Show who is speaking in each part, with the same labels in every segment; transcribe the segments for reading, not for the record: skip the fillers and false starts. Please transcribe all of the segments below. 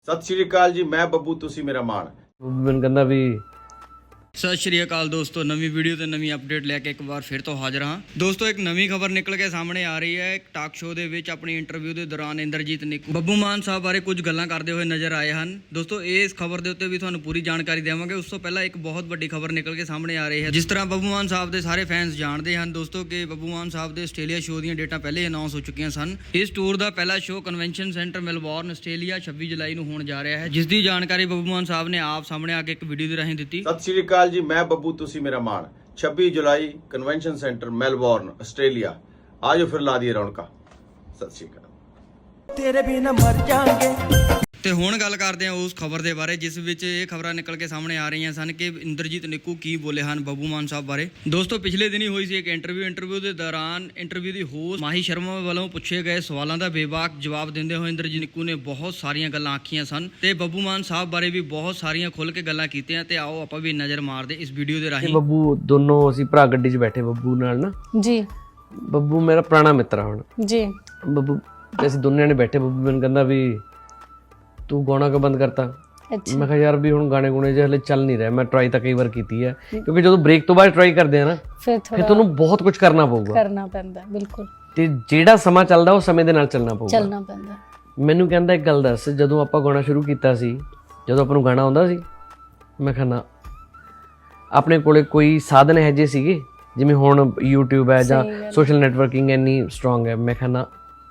Speaker 1: ਸਤਿ ਸ਼੍ਰੀ ਅਕਾਲ ਜੀ, ਮੈਂ ਬੱਬੂ, ਤੁਸੀਂ ਮੇਰਾ ਮਾਣ।
Speaker 2: ਮੈਨੂੰ ਕਹਿੰਦਾ ਵੀ
Speaker 3: ਸਤਿ ਸ਼੍ਰੀ ਅਕਾਲ ਦੋਸਤੋ, ਨਵੀਂ ਵੀਡੀਓ ਤੇ ਨਵੀਂ ਅਪਡੇਟ ਲੈ ਕੇ ਇੱਕ ਵਾਰ ਫਿਰ ਤੋਂ ਹਾਜ਼ਰ ਹਾਂ। ਦੋਸਤੋ ਇੱਕ ਨਵੀਂ ਖਬਰ ਨਿਕਲ ਕੇ ਸਾਹਮਣੇ ਆ ਰਹੀ ਹੈ। ਇੱਕ ਟਾਕ ਸ਼ੋਅ ਦੇ ਵਿੱਚ ਆਪਣੀ ਇੰਟਰਵਿਊ ਦੇ ਦੌਰਾਨ ਇੰਦਰਜੀਤ ਨਿੱਕੂ ਬੱਬੂ ਮਾਨ ਸਾਹਿਬ ਬਾਰੇ ਕੁਝ ਗੱਲਾਂ ਕਰਦੇ ਹੋਏ ਨਜ਼ਰ ਆਏ ਹਨ। ਦੋਸਤੋ ਇਸ ਖਬਰ ਦੇ ਉੱਤੇ ਵੀ ਤੁਹਾਨੂੰ ਪੂਰੀ ਜਾਣਕਾਰੀ ਦੇਵਾਂਗੇ। ਉਸ ਤੋਂ ਪਹਿਲਾਂ ਇੱਕ ਬਹੁਤ ਵੱਡੀ ਖਬਰ ਨਿਕਲ ਕੇ ਸਾਹਮਣੇ ਆ ਰਹੀ ਹੈ। ਜਿਸ ਤਰ੍ਹਾਂ ਬੱਬੂ ਮਾਨ ਸਾਹਿਬ ਦੇ ਸਾਰੇ ਫੈਨਸ ਜਾਣਦੇ ਹਨ ਦੋਸਤੋ ਕਿ ਬੱਬੂ ਮਾਨ ਸਾਹਿਬ ਦੇ ਆਸਟ੍ਰੇਲੀਆ ਸ਼ੋਅ ਦੀਆਂ ਡੇਟਾਂ ਪਹਿਲੇ ਅਨਾਉਂਸ ਹੋ ਚੁੱਕੀਆਂ ਸਨ। ਇਸ ਟੂਰ ਦਾ ਪਹਿਲਾ show convention centre Melbourne Australia 26 ਜੁਲਾਈ ਨੂੰ ਹੋਣ ਜਾ ਰਿਹਾ ਹੈ, ਜਿਸ ਦੀ ਜਾਣਕਾਰੀ ਬੱਬੂ ਮਾਨ ਸਾਹਿਬ ਨੇ ਆਪ ਸਾਹਮਣੇ ਆ ਕੇ ਇੱਕ ਵੀਡੀਓ ਦੇ ਰਾਹੀਂ ਦਿੱਤੀ।
Speaker 1: ਸਤਿ ਸ਼੍ਰੀ ਅਕਾਲ ਜੀ, ਮੈਂ ਬੱਬੂ, ਤੁਸੀਂ ਮੇਰਾ ਮਾਣ। 26 ਜੁਲਾਈ ਕਨਵੈਨਸ਼ਨ ਸੈਂਟਰ ਮੈਲਬੌਰਨ ਆਸਟ੍ਰੇਲੀਆ। ਆਜੋ ਫਿਰ ਲਾ ਦਈਏ ਰੌਣਕਾਂ। ਸਤਿ ਸ਼੍ਰੀ ਅਕਾਲ।
Speaker 4: ਤੇਰੇ ਬਿਨਾ ਮਰ ਜਾਾਂਗੇ।
Speaker 3: ਤੇ ਹੁਣ ਗੱਲ ਕਰਦੇ ਹਾਂ ਉਸ ਖਬਰ ਦੇ ਬਾਰੇ ਜਿਸ ਵਿੱਚ ਇਹ ਖਬਰਾਂ ਨਿਕਲ ਕੇ ਸਾਹਮਣੇ ਆ ਰਹੀਆਂ ਸਨ ਕਿ ਇੰਦਰਜੀਤ ਨਿੱਕੂ ਕੀ ਬੋਲੇ ਹਨ ਬੱਬੂ ਮਾਨ ਸਾਹਿਬ ਬਾਰੇ। ਦੋਸਤੋ ਪਿਛਲੇ ਦਿਨੀ ਹੋਈ ਸੀ ਇੱਕ ਇੰਟਰਵਿਊ ਦੇ ਦੌਰਾਨ ਇੰਟਰਵਿਊ ਦੀ ਹੋਸਟ ਮਾਹੀ ਸ਼ਰਮਾ ਵੱਲੋਂ ਪੁੱਛੇ ਗਏ ਸਵਾਲਾਂ ਦਾ ਬੇਬਾਕ ਜਵਾਬ ਦਿੰਦੇ ਹੋਏ ਇੰਦਰਜੀਤ ਨਿੱਕੂ ਨੇ ਬਹੁਤ ਸਾਰੀਆਂ ਗੱਲਾਂ ਆਖੀਆਂ ਸਨ ਤੇ ਬੱਬੂ ਮਾਨ ਸਾਹਿਬ ਬਾਰੇ ਵੀ ਬਹੁਤ ਸਾਰੀਆਂ ਖੁੱਲ੍ਹ ਕੇ ਗੱਲਾਂ ਕੀਤੀਆਂ। ਤੇ ਆਓ ਆਪਾਂ ਵੀ ਨਜ਼ਰ ਮਾਰਦੇ ਇਸ ਵੀਡੀਓ ਦੇ ਰਾਹੀਂ।
Speaker 2: ਬੱਬੂ ਦੋਨੋਂ ਅਸੀਂ ਭਰਾ ਗੱਡੀ 'ਚ ਬੈਠੇ ਬੱਬੂ ਨਾਲ ਨਾ।
Speaker 5: ਜੀ
Speaker 2: ਬੱਬੂ ਮੇਰਾ ਪੁਰਾਣਾ ਮਿੱਤਰ ਆ ਹੁਣ।
Speaker 5: ਜੀ
Speaker 2: ਬੱਬੂ ਤੇ ਅਸੀਂ ਦੋਨੇ ਨੇ ਬੈਠੇ। ਬੱਬੂ ਮੈਨੂੰ ਕਹਿੰਦਾ ਵੀ ਤੂੰ ਗਾਣਾ ਕਿਉਂ ਬੰਦ ਕਰਤਾ।
Speaker 5: ਅੱਛਾ
Speaker 2: ਮੈਂ ਕਿਹਾ ਯਾਰ ਵੀ ਹੁਣ ਗਾਣੇ ਗੁਣੇ ਜੇ ਹਲੇ ਚੱਲ ਨਹੀਂ ਰਹੇ। ਮੈਂ ਟਰਾਈ ਤਾਂ ਕਈ ਵਾਰ ਕੀਤੀ ਹੈ ਕਿਉਂਕਿ ਜਦੋਂ ਬ੍ਰੇਕ ਤੋਂ ਬਾਅਦ ਟਰਾਈ ਕਰਦੇ ਆ ਨਾ
Speaker 5: ਫਿਰ
Speaker 2: ਫਿਰ ਤੁਹਾਨੂੰ ਬਹੁਤ ਕੁਝ ਕਰਨਾ ਪਊਗਾ
Speaker 5: ਕਰਨਾ ਪੈਂਦਾ। ਬਿਲਕੁਲ
Speaker 2: ਤੇ ਜਿਹੜਾ ਸਮਾਂ ਚੱਲਦਾ ਉਹ ਸਮੇਂ ਦੇ ਨਾਲ ਚੱਲਣਾ ਪਊਗਾ।
Speaker 5: ਚੱਲਣਾ ਪੈਂਦਾ।
Speaker 2: ਮੈਨੂੰ ਕਹਿੰਦਾ ਇੱਕ ਗੱਲ ਦੱਸ, ਜਦੋਂ ਆਪਾਂ ਗਾਣਾ ਸ਼ੁਰੂ ਕੀਤਾ ਸੀ, ਜਦੋਂ ਆਪਾਂ ਨੂੰ ਗਾਣਾ ਆਉਂਦਾ ਸੀ? ਮੈਂ ਕਿਹਾ ਨਾ। ਆਪਣੇ ਕੋਲੇ ਕੋਈ ਸਾਧਨ ਇਹੋ ਜਿਹੇ ਸੀਗੇ ਜਿਵੇਂ ਹੁਣ YouTube ਹੈ ਜਾਂ ਸੋਸ਼ਲ ਨੈਟਵਰਕਿੰਗ ਇੰਨੀ ਸਟਰੋਂਗ ਹੈ? ਮੈਂ ਕਿਹਾ ਨਾ।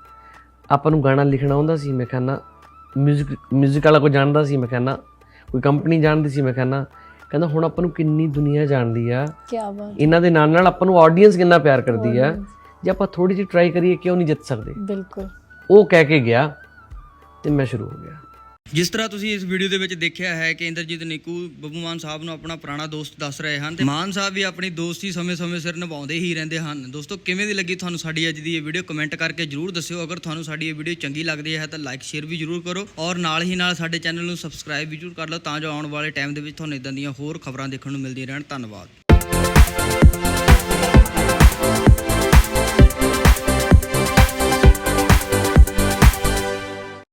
Speaker 2: ਆਪਾਂ ਨੂੰ ਗਾਣਾ ਲਿਖਣਾ ਆਉਂਦਾ ਸੀ? ਮੈਂ ਕਿਹਾ ਨਾ। ਮਿਊਜ਼ਿਕ ਵਾਲਾ ਕੋਈ ਜਾਣਦਾ ਸੀ? ਮੈਂ ਕਿਹਾ ਨਾ। ਕੋਈ ਕੰਪਨੀ ਜਾਣਦੀ ਸੀ? ਮੈਂ ਕਿਹਾ ਨਾ। ਕਹਿੰਦਾ ਹੁਣ ਆਪਾਂ ਨੂੰ ਕਿੰਨੀ ਦੁਨੀਆ ਜਾਣਦੀ ਆ।
Speaker 5: ਕੀ ਬਾਤ।
Speaker 2: ਇਹਨਾਂ ਦੇ ਨਾਲ ਨਾਲ ਆਪਾਂ ਨੂੰ ਆਡੀਅנס ਕਿੰਨਾ ਪਿਆਰ ਕਰਦੀ ਆ। ਜੇ ਆਪਾਂ ਥੋੜੀ ਜਿਹੀ ਟਰਾਈ ਕਰੀਏ ਕਿਉਂ ਨਹੀਂ ਜਿੱਤ ਸਕਦੇ?
Speaker 5: ਬਿਲਕੁਲ।
Speaker 2: ਉਹ ਕਹਿ ਕੇ ਗਿਆ ਤੇ ਮੈਂ ਸ਼ੁਰੂ ਹੋ ਗਿਆ।
Speaker 3: ਜਿਸ ਤਰ੍ਹਾਂ ਤੁਸੀਂ ਇਸ ਵੀਡੀਓ ਦੇ ਵਿੱਚ ਦੇਖਿਆ ਹੈ ਕਿ ਇੰਦਰਜੀਤ ਨਿੱਕੂ ਬੱਬੂ ਮਾਨ ਸਾਹਿਬ ਨੂੰ ਆਪਣਾ ਪੁਰਾਣਾ ਦੋਸਤ ਦੱਸ ਰਹੇ ਹਨ ਤੇ ਮਾਨ ਸਾਹਿਬ ਵੀ ਆਪਣੀ ਦੋਸਤੀ ਸਮੇਂ-ਸਮੇਂ ਸਿਰ ਨਿਭਾਉਂਦੇ ਹੀ ਰਹਿੰਦੇ ਹਨ। ਦੋਸਤੋ ਕਿਵੇਂ ਦੀ ਲੱਗੀ ਤੁਹਾਨੂੰ ਸਾਡੀ ਅੱਜ ਦੀ ਇਹ ਵੀਡੀਓ ਕਮੈਂਟ ਕਰਕੇ ਜਰੂਰ ਦੱਸਿਓ। ਅਗਰ ਤੁਹਾਨੂੰ ਸਾਡੀ ਇਹ ਵੀਡੀਓ ਚੰਗੀ ਲੱਗਦੀ ਹੈ ਤਾਂ ਲਾਈਕ ਸ਼ੇਅਰ ਵੀ ਜਰੂਰ ਕਰੋ ਔਰ ਨਾਲ ਹੀ ਨਾਲ ਸਾਡੇ ਚੈਨਲ ਨੂੰ ਸਬਸਕ੍ਰਾਈਬ ਵੀ ਜਰੂਰ ਕਰ ਲਓ ਤਾਂ ਜੋ ਆਉਣ ਵਾਲੇ ਟਾਈਮ ਦੇ ਵਿੱਚ ਤੁਹਾਨੂੰ ਇਦਾਂ ਦੀਆਂ ਹੋਰ ਖਬਰਾਂ ਦੇਖਣ ਨੂੰ ਮਿਲਦੀਆਂ ਰਹਿਣ। ਧੰਨਵਾਦ।